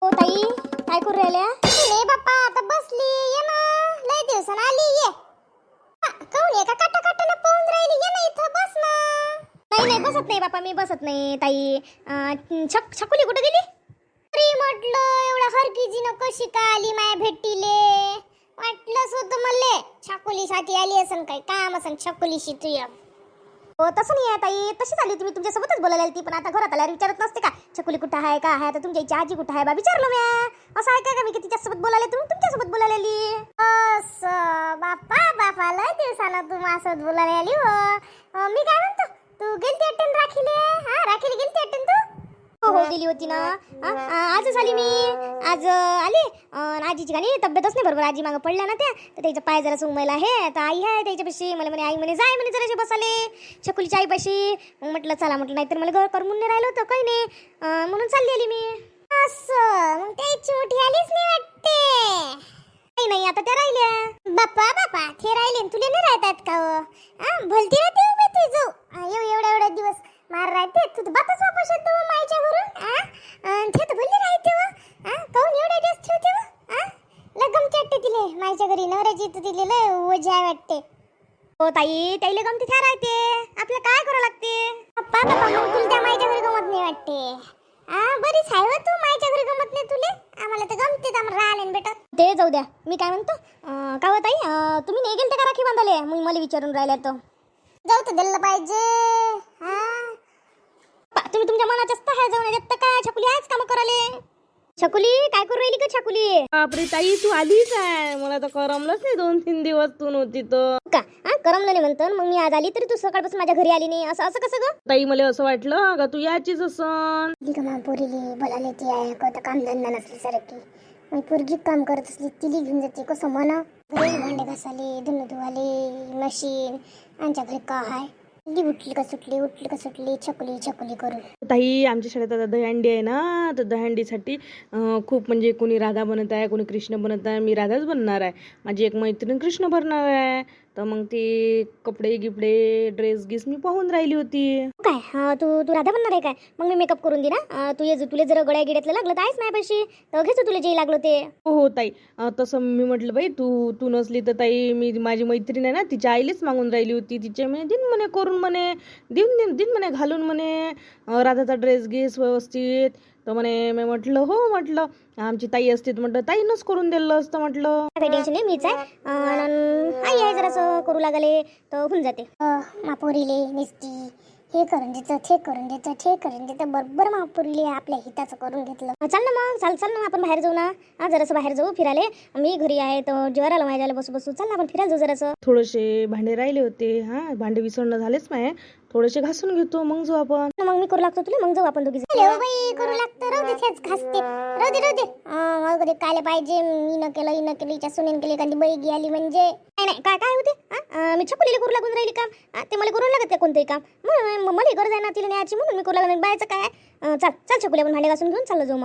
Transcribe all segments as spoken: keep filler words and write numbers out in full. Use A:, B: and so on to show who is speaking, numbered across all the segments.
A: हो ताई, काय करू राहिल्या? नाही बाप्पा, आता बसली. ये ना, लय दिवसानं आली. ये काऊन एका काटा काटाने पाहून राहिली? ये ना इथं, बस ना. नाही नाही, बसत नाही बाप्पा, मी बसत नाही ताई. अं, छक छकुली कुठे गेली? अरे म्हटलं, एवढा हरकीजीनं कशी का आली माया भेटीले? वाटलंच होतं मले छकुलीसाठी आली असन, काही काम असन छकुलीशी तुया. हो तसं नाही आहे ताई, तशी झाली. तुम्ही तुमच्यासोबतच बोलायला आली ती, पण आता घरात आल्यावर विचारत नसते का छकुली कुठं आहे, का आहे? आता तुमच्या इच्छा आजी कुठं आहे बा विचारलं म्या. असं आहे का मी की तिच्यासोबत बोलायला, तुम्ही तुमच्यासोबत बोलायला आली? असं बाप्पा बापा, लय दिवसानं तू माझ्यासोबत बोलायला आली हो. अं, मी काय म्हणतो, तू गेलती अटेंड राखीले? हा, राखीले गेलती अटेंड तू? हो हो, गेली होती ना. अं, आजच आली मी. आज अं, आली. अं, आजीची गाणी तब्येतच नाही बरोबर, आजी मागं पडल्या ना त्या, तर त्याचा पाय जरा सुंगमायला आहे. तर आई आहे त्याच्यापाशी. मला म्हणे आई म्हणे जाय म्हणे जराशी बसाले छकुलीच्या आईपाशी. मग म्हटलं चला, म्हटलं नाहीतर मला घर करमून नाही राहिलं होतं, काही नाही. अं, म्हणून चालली आली मी. असं मग त्याची मोठी आलीच नाही वाटते. नाही नाही, आता त्या राहिल्या. बाप्पा बाप्पा, ते राहिले तुला नाही राहतात का? हो भलती राहते उभे तू जाऊ एव एवढा एवढा दिवस मार राहते तू, तर बातच वापस येतो मायच्या घरून. ते तर भले राहते व. काऊन एवढ्या दिवस ठेवते व? लय गमती वाटते तिले मायच्या घरी. नवऱ्याची तर तिले लय ओझी आहे वाटते. हो ताई, त्याला गमती त्या राहते, आपल्याला काय करावं लागते? बाप्पा बाप्पा, मग तुला त्या मायच्या घरी गमत नाही वाटते? बरीच आहे तू, मायच्या घरी गमत नाही तुले. आम्हाला तर गमते, आम्हाला राहिले बेटा. ते जाऊ द्या, मी काय म्हणतो, का हो ताई, तुम्ही नाही गेलते का राखी बांधाले? मग मला विचारून राहिल्या तर जाऊ तर दिलं पाहिजे. हा, तुम्ही तुमच्या मनाच्या आहे जाऊन देत काय? छकुली आहेच काम कराले. छकुली काय करू राहिली का छकुली?
B: बापरे ताई, तू आलीच आहे. मला तर करमलंच नाही, दोन तीन दिवस तू नव्हती तर.
A: का हा, करमलं नाही म्हणतो मग मी आज आली, तरी तू सकाळपासून माझ्या घरी आली नाही. असं असं कसं ग
B: ताई? मला असं वाटलं का तू याचीच असन.
A: पोरीली बोलायला ती आहे का, काम धंदा नसली सारखी. मग पोरगी काम करत असली तिली घेऊन जाते कसं म्हणा. घरी भांडे घासाले, धुणं धुवाले, मशीन आमच्या घरी का आहे. उठली का सुटली, उठली का सुटली, छकुली छकुली करून.
B: ताई, आमच्या शाळेत आता दहीहंडी आहे ना, तर दहीहंडीसाठी अं, खूप म्हणजे कोणी राधा बनत आहे, कोणी कृष्ण बनत आहे. मी राधाच बनणार आहे. माझी एक मैत्रीण कृष्ण भरणार आहे. तर मग ते कपडे गिपडे ड्रेस गिस मी पाहून राहिली होती.
A: काय हा, तू तू राधा बनणार आहे काय? मग मी मेकअप करून दे ना. तू ये, तुला जर गळ्या गिड्यातलं लागलं तर आहेच नाही पैसे, तर घेतो तुला जे लागलं ते.
B: हो हो ताई, अं, तसं मी म्हटलं बाई, तू तू नसली तर ताई, मी माझी मैत्रीण आहे ना, तिच्या आईलेच मागून राहिली होती. तिच्या म्हणे दिन म्हणे करून म्हणे देऊन देऊन दिन म्हणे घालून म्हणे अं, राधाचा ड्रेस घेस व्यवस्थित. तर म्हणे मी म्हटलं हो, म्हटलं आमची ताई असते तर म्हटलं ताईनंच करून दिलं असतं म्हटलं.
A: काही टेन्शन नाही, मीच आहे. अन आई आहे जरासं करू लागले तर होऊन जाते. मापोरीले निसती हे करून देतं, ते करून देतं, ते करून देतं, बरोबर मापोरीले आपल्या हिताचं करून घेतलं. चाल ना मग, चाल चाल ना, आपण बाहेर जाऊ ना. हा, जरासं बाहेर जाऊ फिरायला. मी घरी आहे तर जेवायला आलो माझ्याला बसू बसू. चाल ना आपण फिरायला जाऊ जरासं.
B: थोडेसे भांडे राहिले होते. हा, भांडे विसरणं झालेच नाही, थोडेसे घासून घेतो मग जाऊ आपण.
A: मग मी करू लागतो तुला, मग जाऊ आपण दोघी. बाई करू लागतो, राहू दे तेच घासते, राहू दे राहू दे. मग कधी काय पाहिजे, मी न केलं इन केलं, हिच्या सुनेन केली, एखादी बैगी आली म्हणजे नाही नाही काय काय होते. मी छकुलीला करू लागून राहिली काम, ते मला करून लागत का कोणतंही काम. मग मला गरज आहे ना तिला न्यायची, म्हणून मी करू लागून. बायचं काय, चाल चाल छकुली, आपण भांडे घासून घेऊन चाललो जाऊ. मग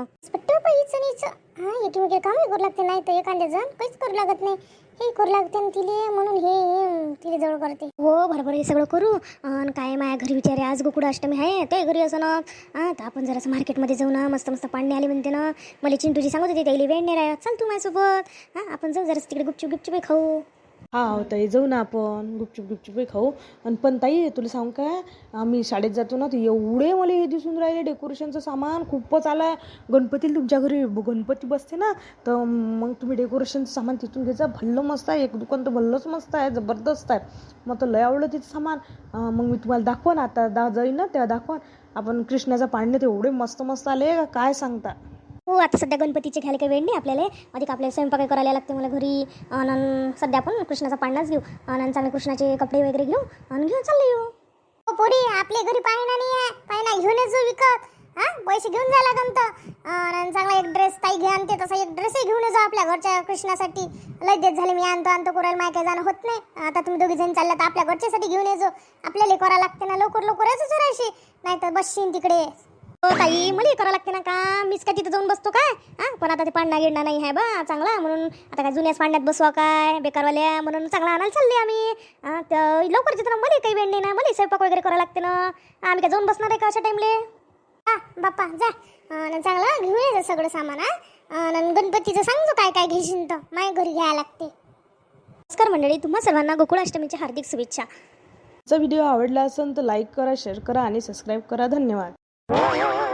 A: हा, एकीमेकी कामही करू लागते, नाही तर एखाद्या जण काहीच करू लागत नाही. हे करू लागते ना तिले, म्हणून हे तिले जवळ करते. हो बरोबर, हे सगळं करू. आणि काय माझ्या घरी विचारे, आज गोकुळ अष्टमी आहे, ते घरी असं ना. हां, तर आपण जरासं मार्केटमध्ये जाऊ ना, मस्त मस्त पाणी आले म्हणते ना. मला चिंटूजी सांगत होती त्याला वेळ नाही राहत. चाल तू माझ्यासोबत. हां, आपण जाऊ जरासं तिकडे गुपचूप गुपचूप खाऊ.
B: हा हो ताई, जाऊ ना आपण, गुपचूप गुपचूप खाऊ. आणि पण ताई, तुला सांगू काय, आम्ही शाळेत जातो ना, तर एवढे मला हे दिसून राहिले डेकोरेशनचं सामान खूपच आलं आहे. गणपतीला तुमच्या घरी गणपती बसते ना, तर मग तुम्ही डेकोरेशनचं सामान तिथून घ्यायचं. भल्लं मस्त आहे, एक दुकान तर भल्लंच मस्त आहे, जबरदस्त आहे. मग तर लय आवडलं तिचं सामान. मग मी तुम्हाला दाखवून, आता दा जाईन ना तेव्हा दाखवून. आपण कृष्णाचा पाळणे तर एवढे मस्त मस्त आले का काय सांगता.
A: हो, आता सध्या गणपतीचे घ्यायला काही वेळ नाही आपल्याला. अधिक आपल्याला स्वयंपाक करायला लागते मला घरी. आणि सध्या आपण कृष्णाचा पाळणाच घेऊ, आणि चांगले कृष्णाचे कपडे वगैरे घेऊ आणि घेऊन चालले येऊ. हो पोरी, आपल्या घरी पाळणा नाही आहे, पाळणा घेऊनच जाऊ विकत. हा, पैसे घेऊन जायला लागत. आणि चांगला एक ड्रेस ताई घे आणते, तसा एक ड्रेसही घेऊन जाऊ आपल्या घरच्या कृष्णासाठी. लय देत झाले मी आणतो आणतो करायला, माय काय जाणं होत नाही. आता तुम्ही दोघी जण चालला तर आपल्या घरच्यासाठी घेऊन येजो. आपल्याला करायला लागते ना, लवकर लवकर यायचं जराशी, नाही तर बसशीन तिकडे. हो ताई, मला करावं लागते ना का, मीच काय तिथं जाऊन बसतो काय? हां, पण आता ते पांडा गिडणा नाही आहे बा चांगला, म्हणून आता काय जुन्याच पांड्यात बसवा काय बेकारवाल्या, म्हणून चांगला आणायला चालले आम्ही. हां, तर लवकर तिथं मला काही वेळ नाही ना, मला स्वयंपाक वगैरे करावं लागते ना. आम्ही काय जाऊन बसणार आहे का अशा टाईमले? हां बाप्पा जा, आणि चांगलं घेऊन यायचं सगळं सामान हा. आणि गणपतीचं सांगतो काय काय घेशील तर माझ्या घरी घ्यायला लागते. नमस्कार मंडळी, तुम्हा सर्वांना गोकुळाष्टमीच्या हार्दिक शुभेच्छा.
B: व्हिडिओ आवडला असेल तर लाईक करा, शेअर करा आणि सबस्क्राईब करा. धन्यवाद.